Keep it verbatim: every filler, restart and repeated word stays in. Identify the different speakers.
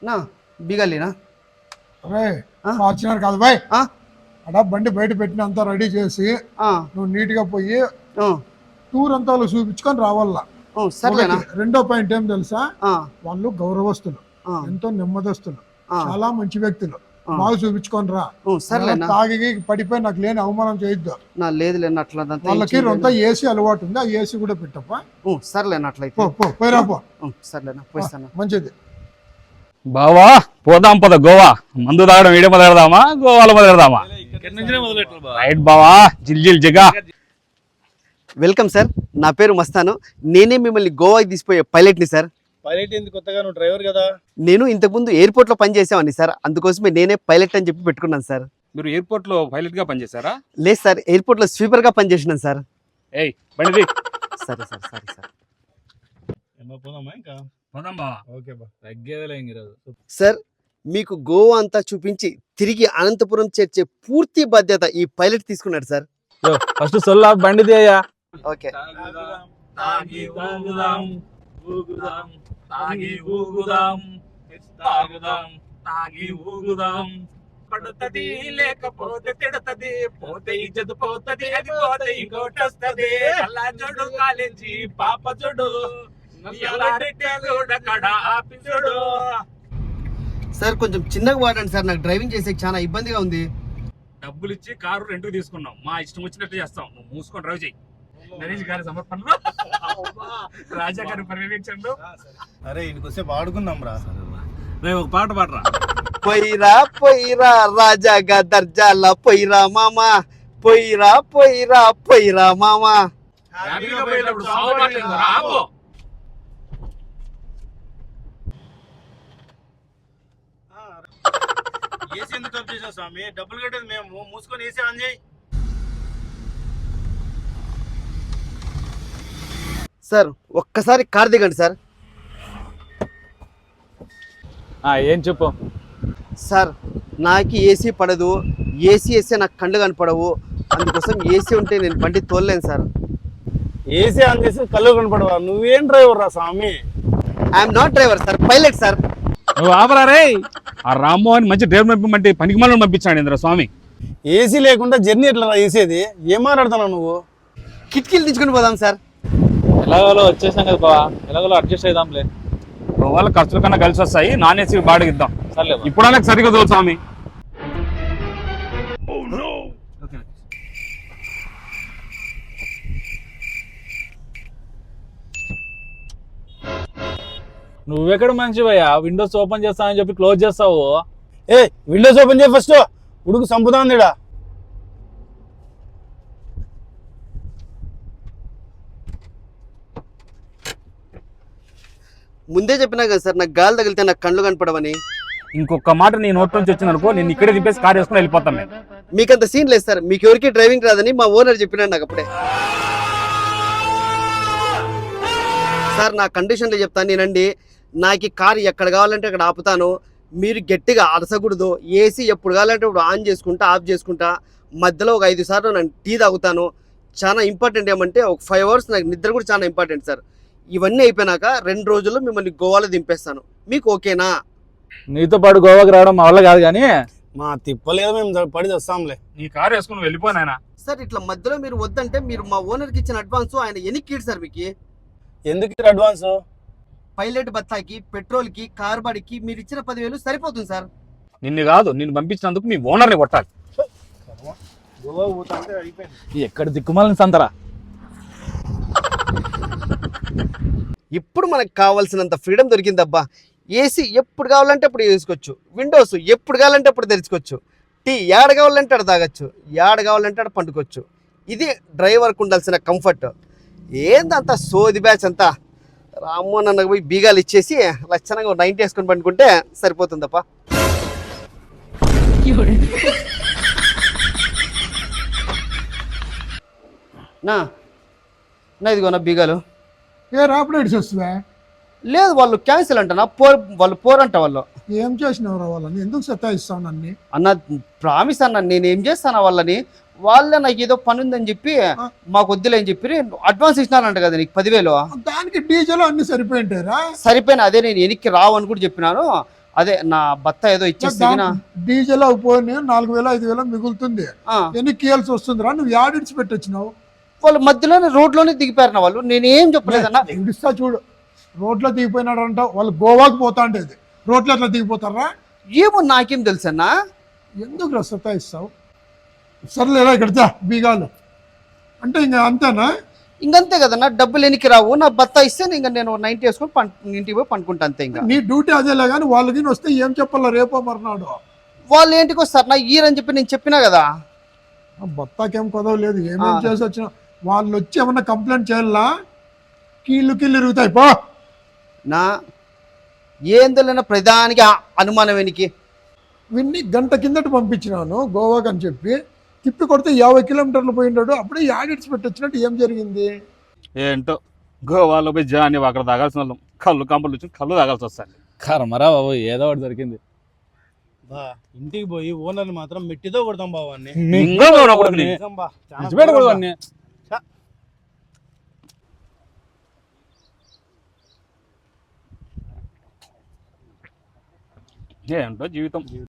Speaker 1: నా బిగాలినా
Speaker 2: అరే ఫార్చునర్ కాదు బాయ్ అడా బండి బయట పెట్టిన అంతా రెడీ చేసి నువ్వు నీట్ గా పోయి టూర్ అంతా చూపించుకొని రావాలా.
Speaker 1: సరేనా.
Speaker 2: రెండో పాయింట్ ఏం తెలుసా, వాళ్ళు గౌరవస్తులు, ఎంతో నెమ్మదస్తులు, చాలా మంచి వ్యక్తులు, బాగా చూపించుకొని రా. తాగి పడిపోయి నాకు లేని అవమానం చేయొద్దు.
Speaker 1: లేదు అట్లా
Speaker 2: వాళ్ళకి రొంత ఏసీ అలవాటు ఉంది, ఆ ఏసీ కూడా పెట్టప్ప.
Speaker 1: సర్లేనా అట్లయితే
Speaker 2: పోయిరా పో.
Speaker 1: సర్లేనా పోయిస్తాను.
Speaker 2: మంచిది
Speaker 3: బావా, పోదాం పద గోవా. మందు తాగడం ఈడే మొదలెడదామా గోవాలో మొదలెడదామా? రైట్ బావా, జిల్ జిల్ జిగా.
Speaker 1: వెల్కమ్ సార్, నా పేరు మస్తాను. నేనే మిమ్మల్ని గోవాకి తీసిపోయే పైలట్ని సార్.
Speaker 4: పైలట్ ఎందుకు కొత్తగా, నువ్వు డ్రైవర్ కదా.
Speaker 1: నేను ఇంతకుముందు ఎయిర్పోర్ట్ లో పనిచేసామని సార్, అందుకోసమే నేనే పైలట్ అని చెప్పి పెట్టుకున్నాను సార్.
Speaker 3: మీరు ఎయిర్పోర్ట్ లో పైలట్ గా పనిచేశారా?
Speaker 1: లేదు సార్, ఎయిర్పోర్ట్ లో స్వీపర్ గా పనిచేసినాను సార్.
Speaker 3: ఏయ్ బండిది.
Speaker 1: సరే సార్, సరే సార్.
Speaker 4: ఇంకా
Speaker 3: పోదాం బావా.
Speaker 4: ఓకే బా, తగ్గేదిలే ఈరోజు.
Speaker 1: సార్, మీకు గోవా అంతా చూపించి తిరిగి అనంతపురం చేర్చే పూర్తి బాధ్యత ఈ పైలట్ తీసుకున్నాడు సార్.
Speaker 4: ఫస్ట్ సొల్లా బండిది అయ్యా.
Speaker 1: ఓకే.
Speaker 5: తాగి ఊగుదాం ఊగుదాం తాగి ఊగుదాం తాగుదాం తాగి ఊగుదాం. పడుతుంది లేకపోతే తిడతది, పోతే ఇజ్జత్ పోతది, అది పోతే ఇంకోటి వస్తది. అలా చూడు కాలేజీ పాప చూడు, ఆపి చూడు.
Speaker 1: సార్ కొంచెం చిన్నగా వాడండి సార్, నాకు డ్రైవింగ్ చేసే చాలా ఇబ్బందిగా ఉంది.
Speaker 3: డబ్బులు ఇచ్చి కారు రెంట్కి తీసుకున్నాం, మా ఇష్టం వచ్చినట్టు చేస్తాం. నువ్వు మూసుకొని డ్రైవ్ చేయి. నరేష్ గారి సమర్పణలో రాజా గారి పర్యవేక్షణలో.
Speaker 4: అరే ఇంటికొస్తే పాడుకుందాం రా.
Speaker 3: రేపు ఒక పాట పాడరా.
Speaker 1: పొయ్యిరా పొయ్యిరా రాజాగా దర్జాల పొయ్యిరా మామా, పొయ్యిరా పొయ్యిరా పొయ్యిరా మామా.
Speaker 4: ఏసీ ఎందుకు ఆఫ్ చేసావు స్వామి? డబ్బులు కట్టేది మేము, మూసుకొని ఏసీ ఆన్ చేయి.
Speaker 1: సార్ ఒక్కసారి కార్ దిగండి సార్.
Speaker 4: ఏం చెప్పు
Speaker 1: సార్, నాకు ఏసీ పడదు, ఏసీ వేస్తే నాకు కళ్ళు కనపడవు, అందుకోసం ఏసీ ఉంటే నేను బండి తోలలేను సార్.
Speaker 4: ఏసీ ఆన్ చేసి కళ్ళు కనపడవా? నువ్వేం డ్రైవర్ రా స్వామి?
Speaker 1: I'm not driver sir, pilot sir.
Speaker 3: నువ్వు ఆపరా రే. ఆ రామ్మోహన్ మంచి డ్రైవర్ పంపించమంటే పనికి మళ్ళీ పంపించాడు ఇంద్ర స్వామి.
Speaker 4: ఏసీ లేకుండా జర్నీ ఎట్లా వేసేది? ఏం మాట్లాడుతున్నావు నువ్వు?
Speaker 1: కిటికీలు తీసుకుని పోదాం సార్.
Speaker 4: ఎలాగోలో వచ్చేసాం కదా బావా, ఎలాగోలో అడ్జస్ట్ అయిదాంలే.
Speaker 3: వాళ్ళ ఖర్చుల కన్నా కలిసి వస్తాయి, నాన్ ఏసీ బాడిగిద్దాం. సర్లే ఇప్పుడు నాకు సరిగ్గా తోలు స్వామి.
Speaker 6: నువ్వెక్కడ మంచివయ్యా, విండోస్ ఓపెన్ చేస్తానని చెప్పి క్లోజ్ చేస్తావు.
Speaker 4: ఏ విండోస్ ఓపెన్ చేయి ఫస్ట్, ఉడుకు సంపుతాంది ఈడ.
Speaker 1: ముందే చెప్పినా కదా సార్, నాకు గాలి తగిలితే నాకు కళ్ళు కనపడవని.
Speaker 3: ఇంకొక మాట నీ నోట్ నుంచి వచ్చింది అనుకో, నేను ఇక్కడే దింపేసి కార్ వేసుకుని వెళ్ళిపోతాను నేను.
Speaker 1: మీకంత సీన్ లేదు సార్, మీకు ఎవరికి డ్రైవింగ్ రాదని మా ఓనర్ చెప్పినాడు నాకు అప్పుడే. సార్ నా కండిషన్లో చెప్తాను నేనండి, నాకు ఈ కారు ఎక్కడ కావాలంటే అక్కడ ఆపుతాను, మీరు గట్టిగా అరసకూడదు. ఏసీ ఎప్పుడు కావాలంటే ఇప్పుడు ఆన్ చేసుకుంటా ఆఫ్ చేసుకుంటా, మధ్యలో ఒక ఐదు సార్లు నేను టీ తాగుతాను. చాలా ఇంపార్టెంట్ ఏమంటే ఒక ఫైవ్ అవర్స్ నాకు నిద్ర కూడా చాలా ఇంపార్టెంట్ సార్. ఇవన్నీ అయిపోయినాక రెండు రోజుల్లో మిమ్మల్ని గోవాలో దింపేస్తాను, మీకు ఓకేనా?
Speaker 6: నీతో పాటు గోవాకి రావడం మా వల్ల కాదు, కానీ
Speaker 4: మా తిప్పలేదు, మేము పడి వస్తాంలే.
Speaker 3: నీ కారు వేసుకుని వెళ్ళిపోయినా
Speaker 1: సార్. ఇట్లా మధ్యలో మీరు వద్దంటే మీరు మా ఓనర్కి ఇచ్చిన అడ్వాన్స్ ఆయన ఎన్నికీడు సార్ మీకు.
Speaker 4: ఎందుకు అడ్వాన్స్?
Speaker 1: పైలట్ బత్తాకి, పెట్రోల్కి, కార్ బాడికి మీరు ఇచ్చిన పదివేలు సరిపోతుంది సార్.
Speaker 3: నిన్ను కాదు, నిన్ను పంపించినందుకు మీ ఓనర్ని కొట్టాలి.
Speaker 6: ఎక్కడ దిక్కుమాలని సంతరా.
Speaker 1: ఇప్పుడు మనకు కావాల్సినంత ఫ్రీడమ్ దొరికిందబ్బా. ఏసీ ఎప్పుడు కావాలంటే అప్పుడు వేసుకోవచ్చు, విండోస్ ఎప్పుడు కావాలంటే అప్పుడు తెరుచుకోవచ్చు, టీ ఏడ కావాలంటే అక్కడ తాగొచ్చు, ఏడ కావాలంటే అక్కడ పండుకోవచ్చు. ఇది డ్రైవర్కి ఉండాల్సిన కంఫర్ట్. ఏందంతా సోది బ్యాచ్ అంతా. రామ్మోహన్ అన్నకు పోయి బీగాలు ఇచ్చేసి లక్షణంగా నైన్టీ వేసుకొని పండుకుంటే సరిపోతుందప్ప. నా నా ఇదిగో నా బీగాలు.
Speaker 2: ఏ రాపిడేట్స్ వస్తుందా?
Speaker 1: లేదు, వాళ్ళు క్యాన్సిల్ అంటనా, పోర్ వాళ్ళు పోరంట. వాళ్ళు
Speaker 2: ఏం చేసినవరా వాళ్ళని? ఎందుకు సతాయిస్తావు నన్ను?
Speaker 1: అన్న ప్రామిస్ అన్న, నేను ఏం చేస్తాను వాళ్ళని. వాళ్ళే నాకు ఏదో పని ఉందని చెప్పి మాకు వద్దులే అని చెప్పి అడ్వాన్స్ ఇచ్చినారంట కదా నీకు పదివేలు.
Speaker 2: దానికి డీజిల్ అన్ని సరిపోయింటారా?
Speaker 1: సరిపోయినా అదే నేను వెనక్కి రావు అని కూడా చెప్పినాను. అదే నా భర్త ఏదో ఇచ్చేస్తే గిన,
Speaker 2: డీజిల్ పోయి నాలుగు వేల ఐదు వేల మిగులుతుంది,
Speaker 1: ఆ,
Speaker 2: ఎన్ని కీయాల్సి వస్తుందిరా? నువ్వు యాడిడ్స్ పెట్టొచ్చినావు?
Speaker 1: వాళ్ళు మధ్యలోనే రోడ్లోనే దిగిపోయారు వాళ్ళు, నేనేం చెప్పలేదన్నా.
Speaker 2: ఇడిస్తా చూడు, రోడ్లో దిగిపోయినాడు అంటావు. వాళ్ళు గోవాకు పోతా ఉండేది, రోడ్లో ఎట్లా దిగిపోతారా?
Speaker 1: ఏమో నాకేం తెలుసన్నా.
Speaker 2: ఎందుకు రా సతాయిస్తావు? సర్లేరా ఇక్కడితే బీగాలు అంటే ఇంకా అంతేనా?
Speaker 1: ఇంకంతే కదన్నా, డబ్బులు ఎనికి రావు, నా భర్త ఇస్తే ఇంకా నేను నైన్టీ వేసుకొని పం ఇంటికి పోయి పండుకుంటా అంతే. ఇంకా
Speaker 2: నీ డ్యూటీ అదేలే కానీ వాళ్ళకి వస్తే ఏం చెప్పాలా రేపో మర్నాడు?
Speaker 1: వాళ్ళు ఏంటికి వస్తారు నా ఈరని చెప్పి నేను చెప్పినా కదా.
Speaker 2: బత్తాకేం కొదవలేదు, ఏమేం
Speaker 1: ఆ.
Speaker 2: చేసి వచ్చిన వాళ్ళు వచ్చి ఏమన్నా కంప్లైంట్ చేయాలా? కీళ్ళు కీళ్ళు ఇరుగుతాయి పో.
Speaker 1: నా ఏందోలేనా ప్రధానికి ఆ అనుమానం వెనికి.
Speaker 2: విన్ని గంట కిందట పంపించినాను గోవాకి అని చెప్పి, తిప్పి కొడితే యాభై కిలోమీటర్లు పోయినాడు. అప్పుడే యాడిట్స్ పెట్టొచ్చినట్టు ఏం జరిగింది?
Speaker 3: ఏంటో గోవాలో పోయి జాని అక్కడ తాగాల్సిన వాళ్ళం, కళ్ళు కంపలు వచ్చి కళ్ళు తాగాల్సి వస్తాను.
Speaker 6: కర్మరా బాబు, ఏదో ఒకటి దొరికింది.
Speaker 4: బా ఇంటికి పోయి ఓనర్ని మాత్రం మెట్టితో కొడతాం బావాన్ని.
Speaker 3: ఇంకా నా కొడుకుని.
Speaker 4: నిజం బా, చాలా
Speaker 6: విడిచిపెట్టకూడదు వాడిని.
Speaker 3: ఏంటో జీవితం.